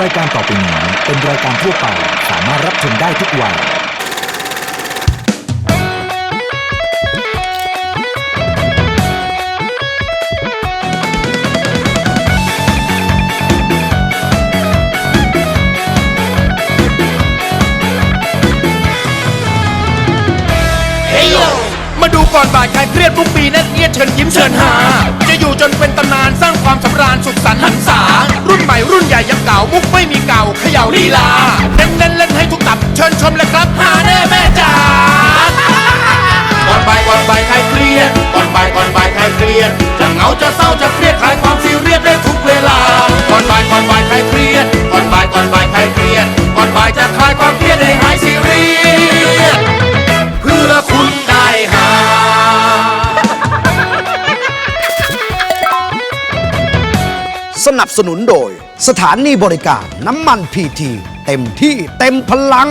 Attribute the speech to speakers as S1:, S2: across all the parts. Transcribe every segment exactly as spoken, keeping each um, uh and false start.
S1: รายการต่อไปนี้เป็นรายการทั่วไปสามารถรับชมได้ทุกวัย
S2: มาดูก่อนบ่ายใครเครียดทุกปีนั่นเอียดเชิญยิ้มเชิญหาจะอยู่จนเป็นตำนานสร้างความสำราญสุขสันต์หันษารุ่นใหม่รุ่นใหญ่ยังเก่ามุกไม่มีเก่าเขย่าลีลาเน้นเล่นเล่นให้ทุกตับเชิญชมเลยครับหาแน่แม่จ๋าก่อนบ่ายก่อนบ่ายใครเครียดก่อนบ่ายก่อนบ่ายใครเครียดจะเหงาจะเศร้าจะเครียดคลายความซีเรียสได้ทุกเวลาก่อนบ่ายก่อนบ่ายใครเครียดก่อนบ่ายก่อนบ่ายใครเครียดก่อนบ่ายจะคลายความเครียดให้หายซีเรียสเพื่อคุณได้หา
S3: สนับสนุนโดยสถานีบริการน้ำมันพีทีเต็มที่เต็มพลัง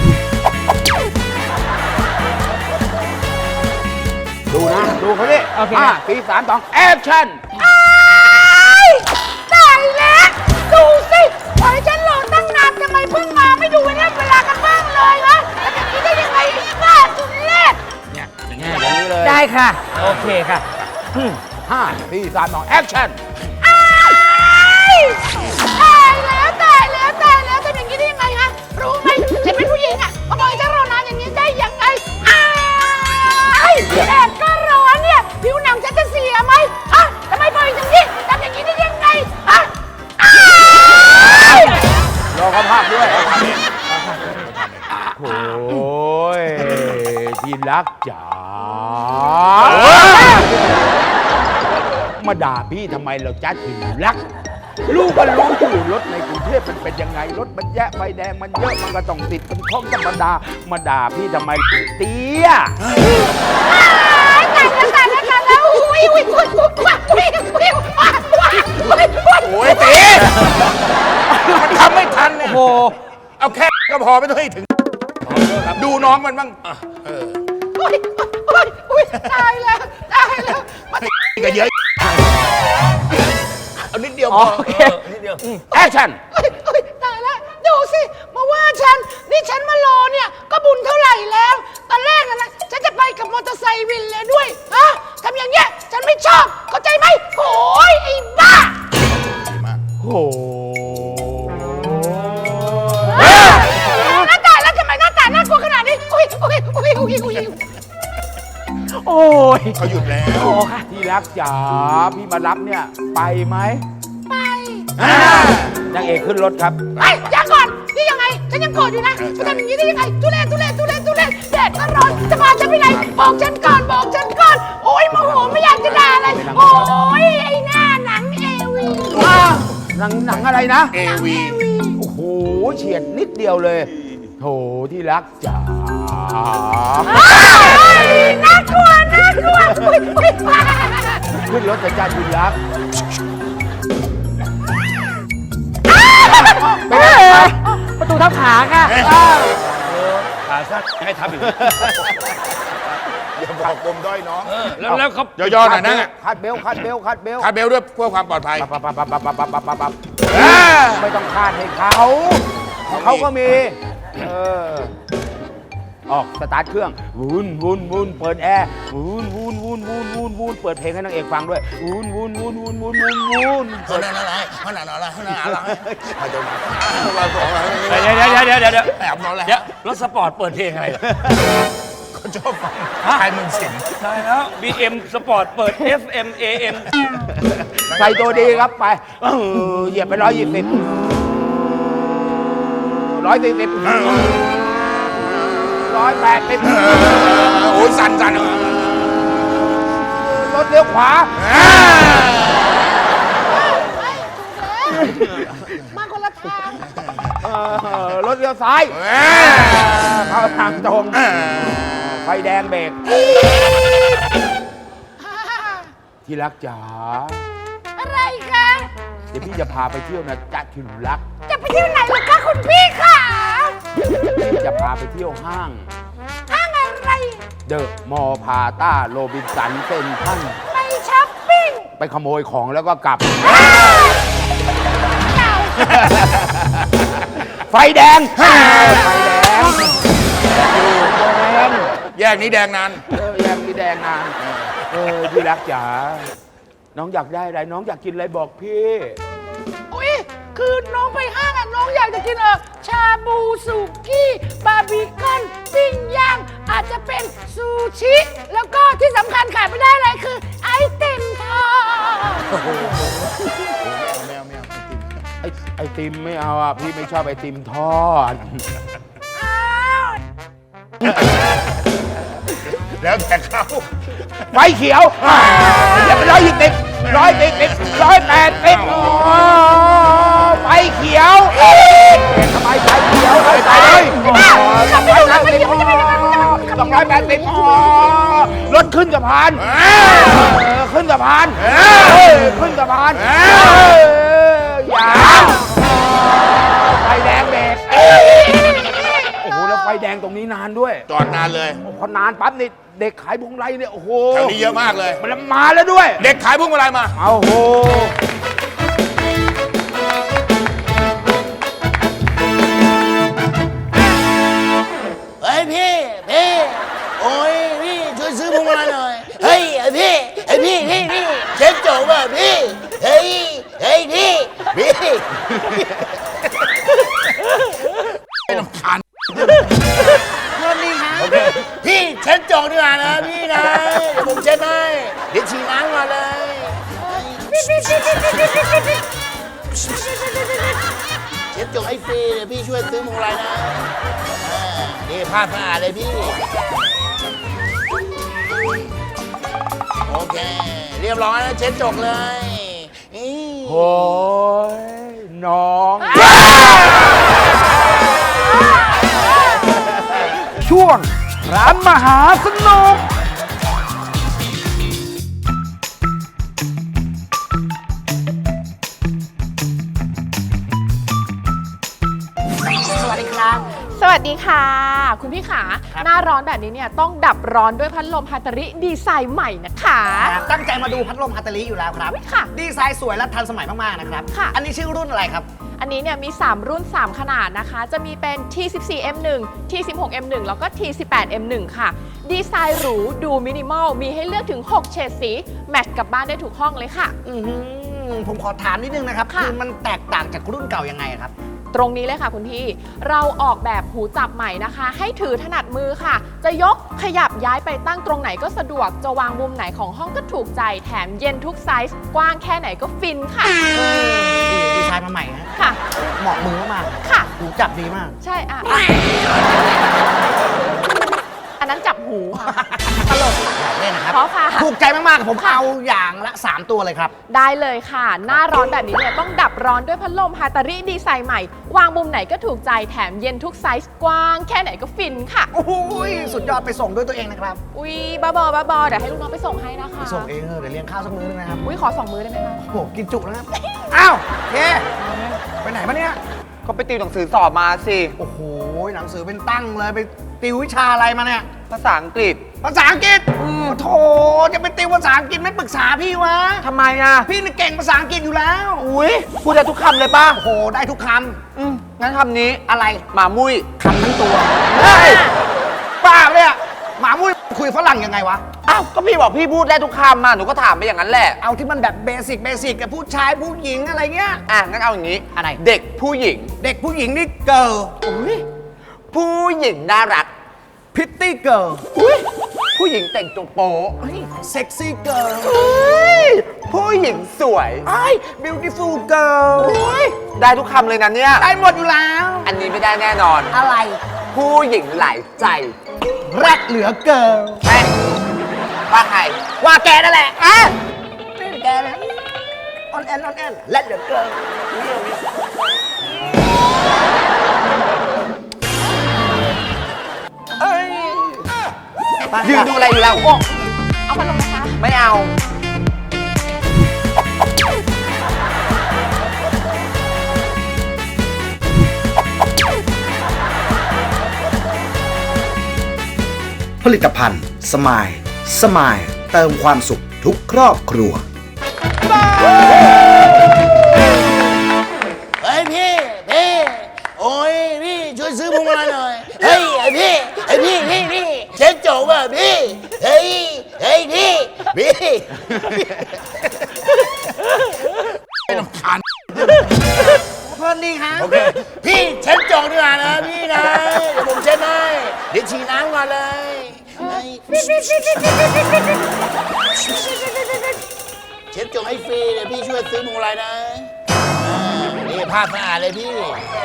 S3: ดูนะ ดูเขาดิห้าสี่สามสองแอคชั่น
S4: ตายแล้วดูสิปล่อยฉันรอตั้งนานทำไมเพิ่งมาไม่ดูเวลาเวลากันบ้างเลยวะแล้วอย่างนี้ได้ยังไงบ้าสุดเล็ด
S3: เนี่ยอย่างนี้อย่างนี้เลย
S4: ได้ค่ะ โอเคค่ะ
S3: ห้าสี่สามสองแอคชั่น
S4: ตายแล้วตายแล้วตายแล้วทำอย่างนี้ได้ยังไงฮะรู้ไหมฉันเป็นผู้หญิงอ่ะมาปล่อยฉันรอนานอย่างนี้ได้ยังไงอ้ายแดดก็ร้อนเนี่ยผิวหนังฉันจะเสียไหมฮะทำไมปล่อยอย่างนี้ทำอย่างนี้ได้ยังไงฮะอ้าย
S3: รอเขาภาพด้วยโอ้ยที่รักจ๋ามาด่าพี่ทำไมเราจ้าถึงรักลูกก็รู้อยู่รถในกรุงเทพมันเป็นยังไงรถมันแยะไฟแดงมันเยอะมันก็ต้องติดเป็นข้องธรรมดามาด่าพี่ทำไมเตี้ย
S4: ตายแล้วตายแล้วตายแล้วอุ้ยอุ้ยอุ้ยอุ้ยอุ้ยอุ้ยว้าวว้าวอุ้ยอุ้ย
S2: โอ้ยตีมันทำไม่ทันเนี่ยโอ้เอาแค่ก็พอไม่ต้องให้ถึงดูน้องมันบ้างเออ
S4: อุ้ยอุ้ยอุ้ยตายแล้วตายแล้วมัน
S2: ก็เยอะเอานิดเดียวพอนิดเดียวแอคชั่น
S4: อุ้ยอุ้ยตายแล้วดูสิมาว่าฉันนี่ฉันมารอเนี่ยก็บุญเท่าไหร่แล้วตอนแรกนะฉันจะไปกับมอเตอร์ไซค์วินเลยด้วยฮะทำอย่างเงี้ยฉันไม่ชอบเข้าใจไหมโอ้ยไอ้บ้า
S3: โอ้
S4: หน้าตาแล้วทำไมหน้าตาน่ากลัวขนาดนี้อุ้ยอุ้ยอุ้ยอุ้ยอุ้ย
S3: โอ้ย
S2: เขาหยุดแล้ว
S3: โอ้ค่ะที่รักจ๋าพี่มารับเนี่ยไปไหม
S4: ไป
S3: นางเอกขึ้นรถครับ
S4: ไอ้ยังก่อนนี่ยังไงฉันยังโกรธอยู่นะจะทำอย่างนี้ได้ยังไงทุเรศทุเรศทุเรศทุเรศแดดก็ร้อนจะพาฉันไปไหนบอกฉันก่อนบอกฉันก่อนโอ้ยโมโหไม่อยากจะด่าเลยโอ้ยไอ้หน้าหนังเอวี
S3: หนังหนังอะไรนะ
S2: เอวี
S3: โอ้โหเฉียดนิดเดียวเลยโถที่รักจ๋า
S4: น่ากลัวน่ากลัวอุ้ยอุ้ย
S3: ขึ้นรถจะจ้าที่รักประตูทับขาค่ะ
S2: ขาสั้นให้ทับอีกอย่าบอกปมด้อยน้องแล้วแล้วเขาย่อๆหน่อยนั่งอ่ะ
S3: คาดเบลคาดเบลคาดเบล
S2: คาดเบลด้วยเพื่อความปลอดภัย
S3: ปั๊บปั๊บปั๊บปั๊บปั๊บปั๊บปั๊บปั๊บไม่ต้องคาดให้เขาเขาก็มีเออออกสตาร์ทเครื่องวูนวูนวูนเปิดแอร์วูนวูนวูนวูนวูนวูนเปิดเพลงให้นางเอกฟังด้วยวูนวูนวูนวูนวูนวูนวูน
S2: เขาหน้าอะไรเขาหน้าอะไรเขาหน้าอะไรเขาจะมา
S5: เดี๋ยวเดี๋ยวเดี๋ยวเดี๋ยวเดี๋ยว
S2: แอบนอนแล้ว
S5: เดี๋ยวรถสปอร์ตเปิดเพลงอะไรล่ะ
S2: เขาชอบฟังชายเมืองสิงห์
S5: ใช่แล้ว บี เอ็ม สปอร์ตเปิด เอฟ เอ็ม เอ เอ็ม
S3: ใส่ตัวดีครับไปเออเหยียบไปร้อยยี่สิบร้อยสี่สิบร้อยแปดสิบ
S2: โอ้ยสั่นสั่น
S3: รถเลี้ยวขวา
S4: มาคนละทาง
S3: เออรถเลี้ยวซ้ายเข้าทางตรงไฟแดงเบรกที่รักจ๋า
S4: อะไรคะ
S3: เดี๋ยวพี่จะพาไปเที่ยวนะจ๊ะที่รัก
S4: จะไปเที่ยวไหนล่ะคะคุณพี่ค่ะ
S3: พี่จะพาไปเที่ยวห้าง
S4: ห้างอะไร
S3: เดอะมอลล์พาต้าโรบินสันเซ็นทรัล
S4: ไปช้อปปิ้ง
S3: ไปขโมยของแล้วก็กลับ
S4: เก่า
S3: ไฟแดงไฟแดงแดง
S2: แยกนี้แดงนาน
S3: เออแยกนี้แดงนานเออพี่รักจ๋าน้องอยากได้อะไรน้องอยากกินอะไรบอกพี่
S4: อุ้ยคือน้องไปห้างอะน้องอยากจะกินเออชาบูสุกี้บาร์บีคอนปิ้งย่างอาจจะเป็นซูชิแล้วก็ที่สำคัญขาดไม่ได้เลยคือไอติมทอด
S2: แมวแมว
S3: ไอไอติมไม่เอาอ่ะพี่ไม่ชอบไอติมทอด
S4: อ้าว
S2: แล้วแต่เขา
S3: ไฟเขียวเรียบร้อยยี่สิบร้อยติดติดร้อยแปดติดไฟเขียวทำไมไฟเขียวไฟไปเลยร้อยแปดสิบสองร้อยแปดสิบรถขึ้นสะพานขึ้นสะพานขึ้นสะพานอย่าไฟแดงเบรกโอ้โหแล้วไฟแดงตรงนี้นานด้วย
S2: จอดนานเลย
S3: พอนานปั๊บนี่เด็กขายพวงไรเนี่ยโอ้โห
S2: แถวนี้เยอะมากเลย
S3: มันมาแล้วด้วย
S2: เด็กขายพวงมาลัยมา
S3: เอาโห
S6: เฮ้ยพี่พี่โอ้ยพี่ช่วยซื้อพวงมาลัยหน่อยเฮ้ยไอพี่ไอพี่พี่พี่เช็คโจว่ะพี่เฮ้ยเฮ้ยพี่พี่
S2: ไม่ลำคาญ
S6: โทษนี่ครับพี่เช็คโจดีกว่านะพี่นะเดี๋ยวผมเช็ดให้เดี๋ยวฉีดน้ำมาเลยเช็ดโจให้ฟรีเดี๋ยวพี่ช่วยซื้อพวงมาลัยนะอ่านี่ผ้าสะอาดเลยพี่โอเคเรียบร้อยแล้วเช็ดจกเลยนี่
S3: โอ้ยน้อง ช่วงร้านมหาสนุก
S6: สวัสดีครับ
S4: สวัสดีค่ะ คุณพี่ขาหน้าร้อนแบบนี้เนี่ยต้องดับร้อนด้วยพัดลมฮาตาริดีไซน์ใหม่นะคะ
S7: ตั้งใจมาดูพัดลมฮัตเตอรี่อยู่แล้วครับ
S4: ค่ะ
S7: ดีไซน์สวยและทันสมัยมาก ๆ นะครับ
S4: ค่ะ
S7: อันนี้ชื่อรุ่นอะไรครับ
S4: อันนี้เนี่ยมี สาม รุ่น สาม ขนาดนะคะ จะมีเป็น ที สิบสี่ เอ็ม หนึ่ง ที สิบหก เอ็ม หนึ่ง แล้วก็ ที สิบแปด เอ็ม หนึ่ง ค่ะ ดีไซน์หรู ดูมินิมอล มีให้เลือกถึง หก เฉดสี แมทช์กับบ้านได้ทุกห้องเลยค่ะ
S7: อือหือผมขอถามนิดนึงนะครับ
S4: ค่ะ
S7: คือมันแตกต่างจากรุ่นเก่ายังไงครับ
S4: ตรงนี้เลยค่ะคุณพี่ เราออกแบบหูจับใหม่นะคะ ให้ถือถนัดมือค่ะ จะยกขยับย้ายไปตั้งตรงไหนก็สะดวก จะวางมุมไหนของห้องก็ถูกใจ แถมเย็นทุกไซส์ กว้างแค่ไหนก็ฟินค่ะ
S7: ดีดีไซน์มาใหม่ฮะ
S4: ค่ะ
S7: เหมาะมือมาก
S4: ค่ะ
S7: ๆหูจับดีมาก
S4: ใช่อ่ะอ่ะอันนั้นจับหูค่ะ ตลก
S7: เล่นนะครับ
S4: เพราะค่ะ
S7: ถูกใจมากๆ ผมเอาอย่างละ สาม ตัวเลยครับ
S4: ได้เลยค่ะ หน้าร้อนแบบนี้เนี่ยต้องดับร้อนด้วยพัดลมฮาตาริดีไซน์ใหม่ วางมุมไหนก็ถูกใจ แถมเย็นทุกไซส์ กว้างแค่ไหนก็ฟินค่ะ
S7: โอ้โหสุดยอดไปส่งด้วยตัวเองนะครับ
S4: อุ๊ยบ้าบอบ้าบอเดี๋ยวให้ลูกน้องไปส่งให้นะคะ
S7: ไปส่งเองเถอะเดี๋ยวเลี้ยงข้าวสักมื้อนึงนะครับ
S4: อุ๊ยขอสองมือได้ไหมคะ
S7: โอ้โหกินจุแล้วครับ อ้าวเคไปไหนมาเนี่ย
S8: ก็ไปติวหนังสือสอบมาสิ
S7: โอ้โห หนังสือเป็นตั้งเลยไปติววิชาอะไรมาเนี่ย
S8: ภาษาอังกฤษ
S7: ภาษาอังกฤษโถจะไปติวภาษาอังกฤษไม่ปรึกษาพี่วะ
S8: ทำไมอ่ะ
S7: พี่นี่เก่งภาษาอังกฤษอยู่แล้ว
S8: อุ้ยพูดได้ทุกคำเลยป่ะ
S7: โอ้โห ได้ทุกค
S8: อืมงั้นคำนี้
S7: ำ อะไร
S8: หมามุ้ย
S7: คำทั้งตัวเฮ้ยป้าเนี่ยหมามุ้ยคุยฝรั่งยังไงวะ
S8: อ้าว ก็พี่บอกพี่พูดได้ทุกคำมาหนูก็ถามไปอย่างนั้นแหละ
S7: เอาที่มันแบบเบสิกเบสิกกับผู้ชายผู้หญิงอะไรเงี้ย
S8: อ่ะ งั้นเอาอย่างนี้
S7: อะไร
S8: เด็กผู้หญิง
S7: เด็กผู้หญิงนี่เกิร์ล
S8: ผู้หญิงน่ารัก
S7: พิตตี้เกิร์ล
S8: ผู้หญิงแต่งตัวโป๊ะ
S7: เซ็กซี่เกิร์ล
S8: ผู้หญิงสวย
S7: ไอ้บิวตี้ฟูลเกิร์ล
S8: ได้ทุกคำเลยนะเนี่ย
S7: ได้หมดอยู่แล้ว
S8: อันนี้ไม่ได้แน่นอน
S7: อะไร
S8: ผู้หญิงหลายใจ
S7: แรดเหลือเกิร์ล
S8: แม่ว่าใคร
S7: ว่าแกนั่นแหละอ่ะนี่แกนะออนแอนออนแอนแรดเหลือเกิร์ลเอ้ย
S8: ยืนดูอะไรอยู่แล้ว
S4: เอาพัดลมนะคะ
S8: ไม่เอา
S1: ผลิตภัณฑ์สมาย สมาย เติมความสุขทุกครอบครัว
S6: เฮ้ยพี่พี่โอ้ยลำคาญ
S7: เพลินดีฮะ
S6: โอเค พี่เช็ดจกดีกว่านะพี่นะ เดี๋ยวผมเช็ดให้เดี๋ยวฉีดน้ำก่อนเลยเช็ดจกให้ฟรีเดี๋ยวพี่ช่วยซื้อพวงมาลัยนะอ่านี่ผ้าสะอาดเลยพี่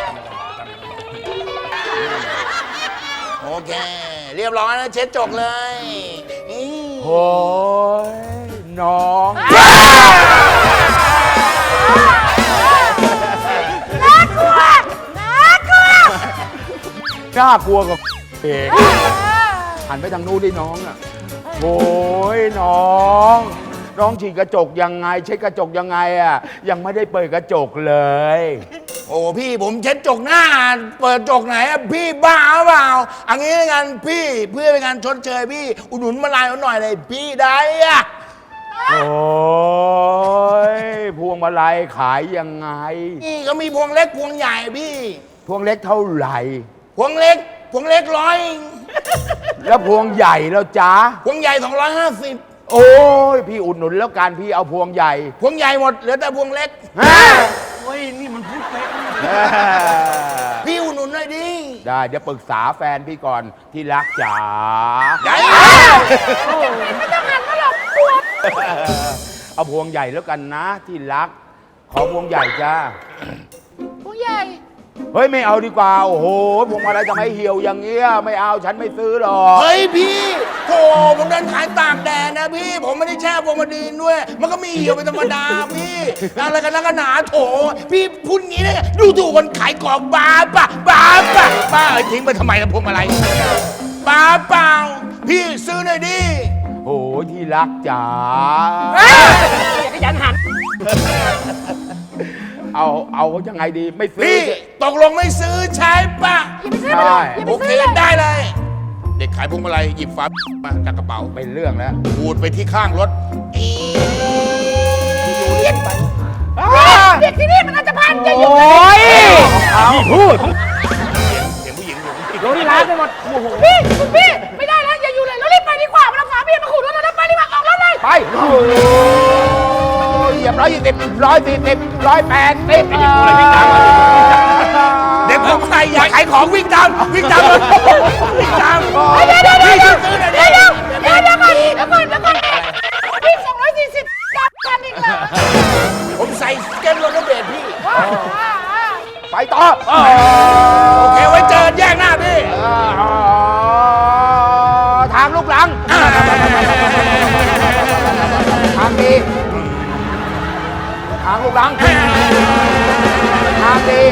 S6: โอเค เรียบร้อยแล้วเช็ดจกเลยนี่
S3: โอ้ยน้อง
S4: น่ากลัว น่ากลัว
S3: น่ากลัวกับเองหันไปทางนู้นดิน้องอ่ะโอ้ยน้อง น้องฉีดกระจกยังไง เช็ดกระจกยังไงอ่ะยังไม่ได้เปิดกระจกเลย
S6: โอ้พี่ผมเช็ดจกหน้า เปิดจกไหนอะพี่บ้าเปล่าอันนี้งานพี่เพื่อเป็นการชดเชยพี่ อุดหนุนมาลายหน่อยเลยพี่ได้อะ
S3: โอ้ยพวงมาลัยขายยังไง
S6: นี่ก็มีพวงเล็กพวงใหญ่พี่
S3: พวงเล็กเท่าไหร่
S6: พวงเล็ก พวงเล็กร้อย
S3: แล้วพวงใหญ่แล้วจ้า
S6: พวงใหญ่สองร้อยห้าสิบ
S3: โอ้ยพี่อุดหนุนแล้วกันพี่เอาพวงใหญ่
S6: พวงใหญ่หมดเหลือแต่พวงเล็ก
S3: ฮะ
S5: เฮ้ย นี่มันพูดเป๊ะ
S6: พี่อุดหนุนหน่อยดิ
S3: ได้เดี๋ยวปรึกษาแฟนพี่ก่อนที่รักจ๋า
S6: ได้
S4: ไม่ต้องหันมาหรอกกลัว
S3: เอาพวงใหญ่แล้วกันนะที่รัก ขอพวงใหญ่จ้า
S4: ผู้ใหญ่
S3: เฮ้ยไม่เอาดีกว่าโอ้โหพวงมาลัยจะไม่เหี่ยวอย่างเงี้ยไม่เอาฉันไม่ซื้อหรอก
S6: เฮ้ยพี่โถผมเดินขายตากแดดนะพี่ ผมไม่ได้แช่พวงมาดีนด้วย มันก็มีเหี่ยวเป็นธรรมดาพี่อะไรกันนักกันหนาโถพี่พูดงี้ได้ไงดูถูกคนขายของบ้าปะบ้าปะบ้าเอ้ยทิ้งไปทำไมล่ะพวงมาลัยบ้าเปล่าพี่ซื้อหน่อยดิ
S3: โอ้ยที่รักจ๋า
S7: อย่าขยันหัน
S3: เอาเอายังไงดีไม่ซื้อ
S6: พี่ตกลงไม่ซื้อใช่ปะ
S3: ใช่
S6: โอเคได้เลย เด็กขายพวงมาลัยหยิบฟ้ามาจากกระเป๋า
S3: เป็นเรื่องแล้ว
S6: ขูดไปที่ข้างรถอี
S4: เด็กที่นี่มันอาจจะพันจะอยู่
S3: โอ้ยเอาพูด
S6: เสียงผู้หญิงอยู่
S7: โดนที่ร้านไปหมดโอ้โห
S4: พี่คุณพี่ ไม่ได้แล้วอย่าอยู่เลยเรารีบไปดีกว่ามันเอาฝาเบียร์มาขูดรถเราแล้วไปดีกว่าออกรถเลย
S3: ไปโอ้ยเหยียบร้อยยี่สิบร้อยสี่สิบร้อยแปดสิบ
S6: เด็กพวงมาลัยอยากขายของวิ่งตามวิ่งตามรถวิ่งตาม
S4: เดี๋ยวเดี๋ยวเดี๋ยว
S6: พี่
S4: เดี๋ยว
S6: ซื้อหน่อย
S4: เดี๋
S6: ดิ
S4: ยวเดี๋ยวเดี๋ยวก่อนเดี๋ยวก่อนเดี๋ยวก่อนพี่สองร้อยสี่สิบจับกันอีกแล้ว
S6: ผมใส่เกมรถเบรดพี่
S3: ไปต่อ
S6: โอเคไว้เจอแยกหน้าพี่
S3: ทางลูกหลัง ทางดี ทางลูกหลัง ทางดี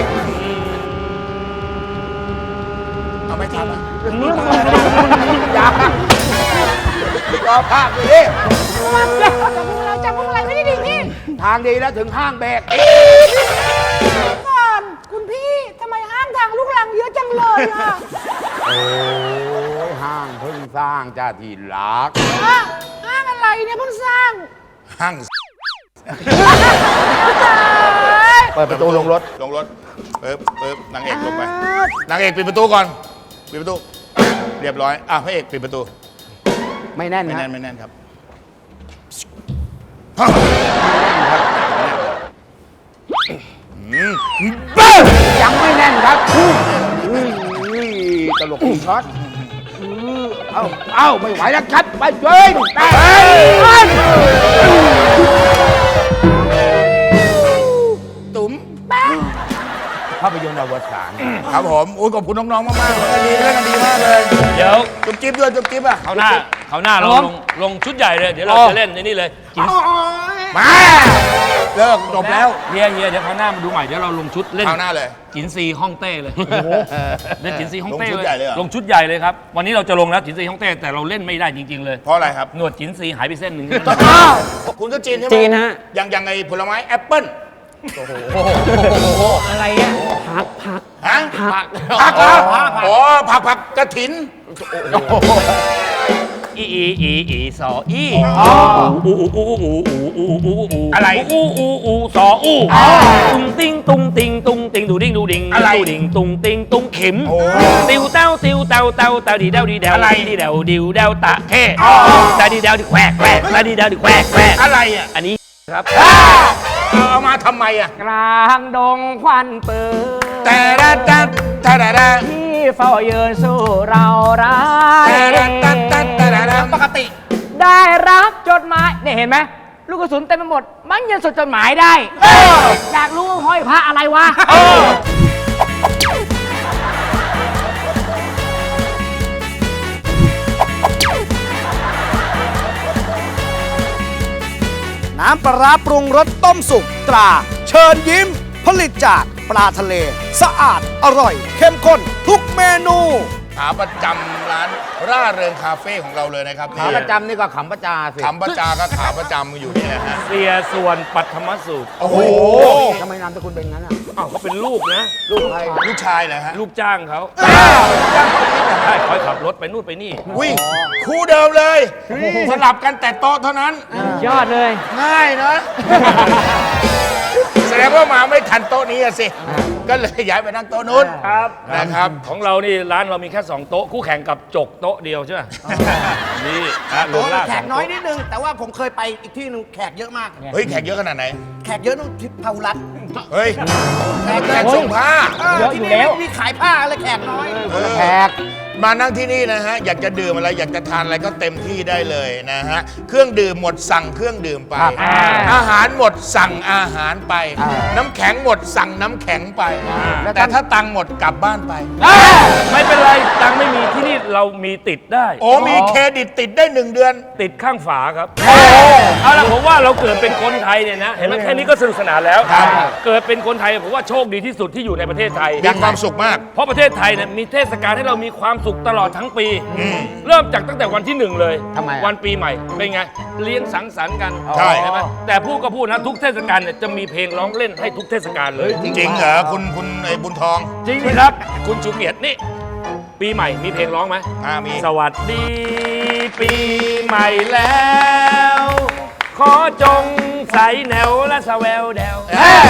S6: เอาไม่ทำอ่ะ
S3: อย่ารอภาคดิ
S4: เราจับพวงอะไรไม่ได้ดีพี่
S3: ทางดีแล้วถึงห้างเบรก
S4: ก่อนคุณพี่ทำไมห้างทางลูกหลังเยอะจังเลยอ่ะ
S3: โอ้ยห้างเพิ่งสร้างจ้าที่รัก
S4: ห้างห้างอะไรเนี่ยเพิ่งสร้าง
S6: ห้าง
S3: เปิดประตูลงรถ
S6: ลงรถเปิ๊บเปิ๊บนางเอกลงไปนางเอกปิดประตูก่อนปิดประตูเรียบร้อยอ่ะพระเอกปิดประตู
S3: ไม่แน่น
S6: ไม่
S3: นะ
S6: แน่นไม่แน่นครับ
S3: ยังไม่แน่นครับอุ้ยตลกอีกช็อตเอ้าเอ้าไม่ไหวแล้วครับ ไปเว้ยไป
S6: ตุ๋ม
S3: ภาพยนตร์อวสาน
S6: ครับผมโอ้ยขอบคุณน้องๆมากๆเลยดีเล่นกันดีมากเลย
S5: เดี๋ยว
S6: จุ๊บจิ๊บด้วยจุ๊บจิ๊บอ่ะ
S5: เขาวหน้าเขาวหน้าเราลงลงชุดใหญ่เลย เดี๋ยวเราจะเล่นในนี่เลยกิน
S6: มาเลิกจบแล้ว
S5: เฮียเฮียเดี๋ยวเขาวหน้ามาดูใหม่ เดี๋ยวเราลงชุดเล่น
S6: คราวหน้าเลย
S5: จินซีฮ่องเต้เลยเล่นจินซีฮ่องเต้
S6: ลงชุดใหญ่เลยเหรอ
S5: ลงชุดใหญ่เลยครับ วันนี้เราจะลงแล้วจินซีฮ่องเต้แต่เราเล่นไม่ได้จริง ๆ เลย
S6: เพราะอะไรครับ
S5: หนวดจินซีหายไปเส้นหนึ่ง
S6: คุณก็จีนใช่ไหม
S7: จีนฮะ
S6: อย่างอย่างไอ้ผลไม้แอปเปิ้ล
S7: อะไรอ่ะผักผัก
S6: ฮะ
S7: ผัก
S6: ผักเหรออ๋อผักผักกระถิน
S5: อีอีอีอีสออีอูอูอูอูอูอูอูอู
S6: อะไร
S5: อูอูอูสออูตุงติงตุงติงตุงติงดูดิ้งดูดิ้ง
S6: อะไร
S5: ดูดิ้งตุงติงตุงเข็ม
S6: โอ้
S5: ติวเต้าติวเต้าเต้าเต้าดีเด้าดีเด้า
S6: อะไร
S5: ดีเด้าดิวเด้าตะเข้ตาดีเด้าดีแควกแควกตาดีเด้าดีแควกแควก
S6: อะไรอ่ะ
S5: อันนี้ครับ
S2: เอาเอามาทำไมอ่ะ
S7: กลางดงควันปืน
S2: แต่ละแต่แต่ละแต่
S7: ที่เฝ้ายืนสู้เราร้าย
S2: แต่ละแต่แต่แต่ละปกติ
S7: ได้รับจดหมายนี่เห็นไหมลูกกระสุนเต็มไปหมด มันยังสดจดหมายได้อยากรู้ว่าห้อยพระอะไรวะ
S1: น้ำปลาร้าปรุงรสต้มสุกตรา เชิญยิ้ม ผลิตจากปลาทะเล สะอาดอร่อย เข้มข้นทุกเมนู
S2: ขาประจำร้านร่าเริงคาเฟ่ของเราเลยนะครับ
S3: ขาประจำนี่ก็ขำประจาสิ
S2: ขำประจาก็ขาประจำอยู่นี่แหละฮะ
S5: เสียส่วนปัทมสูตร
S2: โอ้โห
S3: ทำไมนามสกุลเป็นงั้นอ่ะ
S5: อ้าวเขาเป็นลูกนะ
S3: ลูกใคร
S2: ลูกชายเหรอฮะ
S5: ลูกจ้างเขาใช่คอยขับรถไปนู่นไปนี่
S2: วิ่งคู่เดิมเลยสลับกันแต่โต๊ะเท่านั้น
S7: ยอดเลย
S2: ง่ายนะ แสดงว่ามาไม่ทันโต๊ะนี้อะสิ ก็เลยย้ายไปนั่งโต๊ะนู้น
S5: ครับ
S2: นะครับ
S5: ของเรานี่ร้านเรามีแค่สองโต๊ะคู่แข่งกับจกโต๊ะเดียวใช่ไหมนี่ฮะรวมล่า
S6: แข
S5: สอก ง
S6: น้อย
S5: โต๊ะ
S6: นิดนึง แต่ว่าผมเคยไปอีกที่หนึงแขกเยอะมาก
S2: เฮ้ยแขกเยอะขนาดไหน
S6: แขกเยอะนู่นที่พาหุรัตน์
S2: เฮ้ยแขกแขกส่งผ้า
S7: เยอะอยู่แล้ว
S6: ที่นี่มีขายผ้าอะไรแขกน้อย
S3: แขก
S2: มานั่งที่นี่นะฮะ อยากจะดื่มอะไรอยากจะทานอะไรก็เต็มที่ได้เลยนะฮะ เครื่องดื่มหมดสั่งเครื่องดื่มไป
S3: ครับ
S2: อาหารหมดสั่งอาหารไป
S3: อ่า
S2: น้ำแข็งหมดสั่งน้ำแข็งไป แต่ถ้าตังค์หมดกลับบ้านไป
S5: ไม่เป็นไรตังค์ไม่มีที่นี่เรามีติดได้
S2: โอ้มีเครดิตติดได้หนึ่งเดือน
S5: ติดข้างฝาครับเอาละผมว่าเราเกิดเป็นคนไทยเนี่ยนะ เห็นไหมแค่นี้ก็สนุกสนานแล้ว
S2: ครับ
S5: เกิดเป็นคนไทยผมว่าโชคดีที่สุดที่อยู่ในประเทศไทย
S2: มีความสุขมาก
S5: เพราะประเทศไทยเนี่ยมีเทศกาลให้เรามีความสุขตลอดทั้งปี เริ่มจากตั้งแต่วันที่หนึ่งเลย
S3: ทำไมอะ
S5: วันปีใหม่เป็นไง เลี้ยงสังสรรค์กัน
S2: ใช่
S5: ใช่ไหมแต่พูดก็พูดนะทุกเทศกาลเนี่ยจะมีเพลงร้องเล่นให้ทุกเทศกาลเลย
S2: จริงเหรอคุณคุณไอ้บุญทอง
S5: จริงไหมครับ คุณชูเกียรตินี่ ปีใหม่มีเพลงร้องไหม
S2: อ่ามี
S5: สวัสดีปีใหม่แล้ว ขอจงใส่แนวและสแววแดว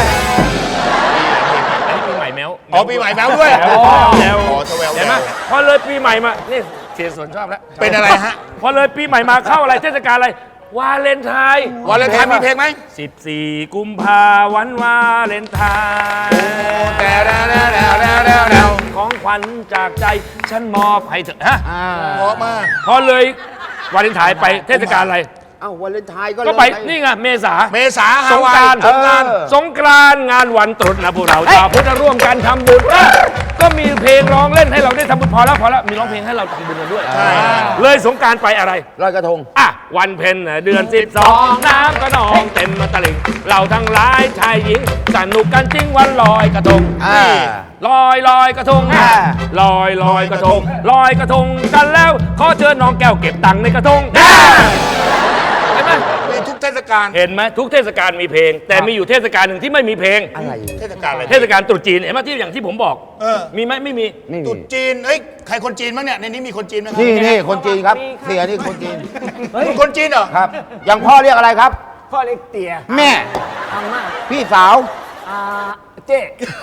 S5: อันนี้ปีใหม่แมว
S2: อ๋อปีใหม่แมวด้วย
S5: แมวแมว
S2: อ๋อสแววแวว
S5: เห็นไหมพอเลยปีใหม่มานี่เสียส่วนชอบแล้ว
S2: เป็นอะไรฮะ
S5: พอเลยปีใหม่มาเข้าอะไรเทศกาลอะไรวาเลนไทน์
S2: วาเลนไทน์มีเพลงไหม
S5: สิบสี่กุมภาวันวาเลนไทน์
S2: แต่แล้วแล้วแล้วแล้วแล้วแล้ว
S5: ของขวัญจากใจฉันมอบให้เธอฮะ
S2: เพราะมาก
S5: พอเลยวาเลนไทน์ไปเทศกาลอะไร
S3: เอ้าวาเลนไทน์ก็
S5: ก็ไป
S3: เลย
S5: นี่ไงเมษา
S2: เมษา
S5: ส
S2: ฮาง วาย
S5: กรานต์
S2: สงกรานต์
S5: สงกรานต์งานวันตรุษนะพวกเราชาวพุทธร่วมกันทำบุญอ่ะก็มีเพลงร้องเล่นให้เราได้ทำบุญพอแล้วพอแล้วมีร้องเพลงให้เราทำบุญกันด้วยเลยสงกรานต์ไปอะไร
S3: ลอยกระทง
S5: อ่ะวันเพ็ญน่ะเดือนสิบสองน้ำก็นองเต็มมาตลิ่งเราทั้งหลายชายหญิงสนุกกันจริงวันลอยกระทง
S3: อ่า
S5: ลอยลอยกระทง
S3: อ่า
S5: ลอยลอยกระทงลอยกระทงกันแล้วขอเชิญน้องแก้วเก็บตังค์ในกระทงเห็นไหม
S2: มีทุกเทศกาล
S5: เห็นไหมทุกเทศกาลมีเพลง แต่มีอยู่เทศกาลหนึ่งที่ไม่มีเพลง
S3: อะไร
S2: เทศกาลอะไร
S5: เทศกาลตรุษจีนเห็นไหมที่อย่างที่ผมบอก
S2: เออ
S5: มีไหมไม่มี
S3: นี่
S2: ตรุษจีนเอ้ยใครคนจีนบ้างเนี่ยในนี้มีคนจีนไหมครั
S3: นี่นี่คนจีนครับ เสียนี่คนจีน
S2: คุณคนจีนเหรอ
S3: ครับ อย่างพ่อเรียกอะไรครับ
S7: พ่อเล็กเตี๋ย
S3: แม่
S7: อาม่า
S3: พี่สาว
S7: อาเจ๊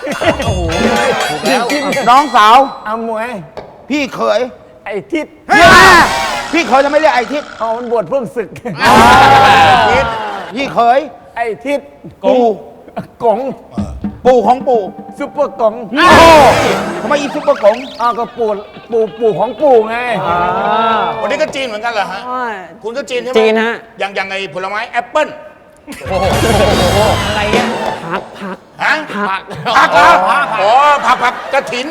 S3: น้องสาว
S7: อามวย
S3: พี่เขย
S7: ไอ้ทิศ
S3: พี่เขยจะไม่เรียกไอ้ทิศ
S7: อ๋อมันบวชเพิ่งศึก
S3: พี่เขย
S7: ไอ้ทิศ
S3: ปู่
S7: กง
S3: ปู่ของปู่
S7: ซุปเปอร์กง
S3: โอ้ทำไมอีซุปเปอร์กง
S7: อ้าวก็ปู่ปู่ปู่ของปู่ไง
S2: วันนี้ก็จีนเหมือนกันเหรอฮะ คุณก็จีนใช่ไหม
S7: จีนฮะ
S2: อย่างอย่างไอ้ผลไม้แอปเปิ้ล
S7: อะไรเนี่ยผักผัก
S2: ฮะ
S7: ผัก
S2: ผักเหรออ๋อผักผักกระถิน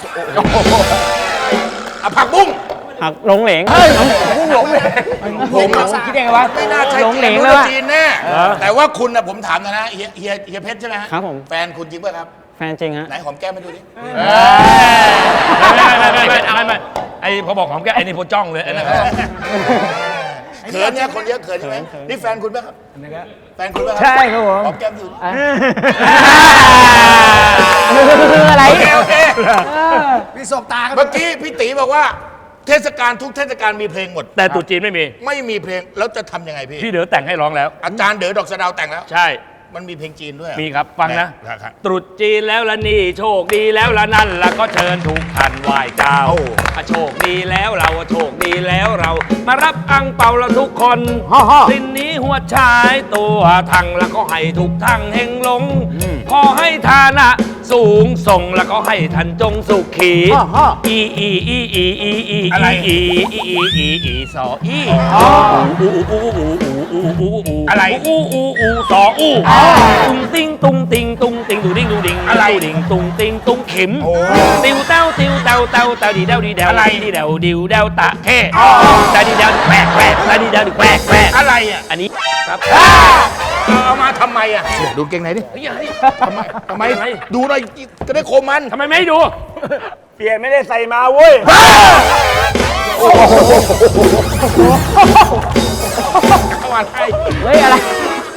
S2: อ่ะผักบุ้ง
S7: ผักหลงเหลงเฮ้ยพุ่งหลงเหลง
S2: ผมอะ
S7: คิดยังไงวะ
S2: ไม่น่าใช่
S7: หลงเหลง
S2: จีน
S7: เลยว่ะ
S2: จีนแน่แต่ว่าคุณนะผมถามนะนะเฮียเฮียเฮียเพชรใช่ไหมฮะ
S7: ครับผม
S2: แฟนคุณจริงป่ะครับ
S7: แฟนจริงฮะ
S2: ไหนหอมแก้มให้ดูดิ
S5: ไม่ไม่ไม่ไม่ไม่ไม่ไม่ไอพอบอกของแกไอนี่พอจ้องเลยไอ้นั่นเขา
S2: เขินเนี่ยคนเยอะเขินใช่ไหมนี่แฟนคุณป่ะครับแฟนคุณป่ะครั
S7: ใช่ครับผม
S2: หอมแก้มดู
S7: อะไร
S2: โอเคโอเค
S6: พี่สบตากัน
S2: เมื่อกี้พี่ตีบอกว่า เทศกาลทุกเทศกาลมีเพลงหมด
S5: แต่ตรุษจีนไม่มี
S2: ไม่มีเพลงแล้วจะทำยังไงพี่
S5: พี่เด๋อแต่งให้ร้องแล้ว
S2: อาจารย์เด๋อดอกสะเดาวแต่งแล้ว
S5: ใช่
S6: มันมีเพลงจีนด้วยเหรอ
S5: มีครับฟังนะ
S6: ครับครับ
S5: ตรุษจีนแล้วละนี่โชคดีแล้วละนั่นละก็เชิญทุกท่านไหว้เจ้า
S6: โอ้
S5: อ่ะโชคดีแล้วเราอ่ะโชคดีแล้วเรา มารับอังเปาละทุกคน
S3: ฮ่าฮ่า
S5: สิ้นนี้หัวชายตัวทังแล้วก็ให้ทุกทั้งเฮงลงขอให้ฐานะสูงส่งแล้วก็ให้ท่านจงสุขี
S3: ฮ่าฮ่า
S5: อีอีอีอีอีอี
S6: อะไร
S5: อีอีอีอีอีสออีอูอูอูอูอูอูอูอู
S6: อะไร
S5: อูอูอูสออูตุงติงตุงติงตุงติงดูดิงดูดิง
S6: อะไร
S5: ดูดิงตุงติงตุงขิม
S6: โอ้
S5: ติวเต้าติวเต้าเต้าเต้าดีเด้าดีเด้า
S6: อะไร
S5: ดีเด้าดิวเด้าตะเข้ตาดีเด้าแควกแควกตาดีเด้าแควกแควก
S6: อะไรอ่ะ
S5: อันนี้ครับ
S6: เอามาทำไมอ่ะดูเก่งไหนดิ
S5: เฮ้ยเฮ้ย
S6: ทำไมทำไม
S5: ทำไม
S6: ดูหน่อยจะได้โคมมัน
S5: ทำไมไม่ให้ดู
S1: เปลี่ยนไม่ได้ใส่มาเว้ย
S6: เข้ามาให้
S7: เฮ้ย อะไร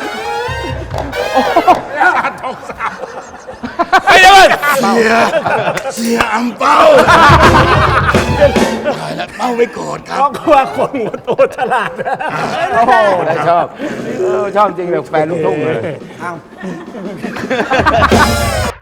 S6: สาดทองสาว
S5: ไปเลย
S6: เสียเสียอัมเป้าตายแล้วเป้าไม่โกรธครับ
S1: เพราะว่าคนหัวโตฉลาด
S3: โอ้โหได้ชอบเออชอบจริงเลยแฟนลูกทุ่งเลย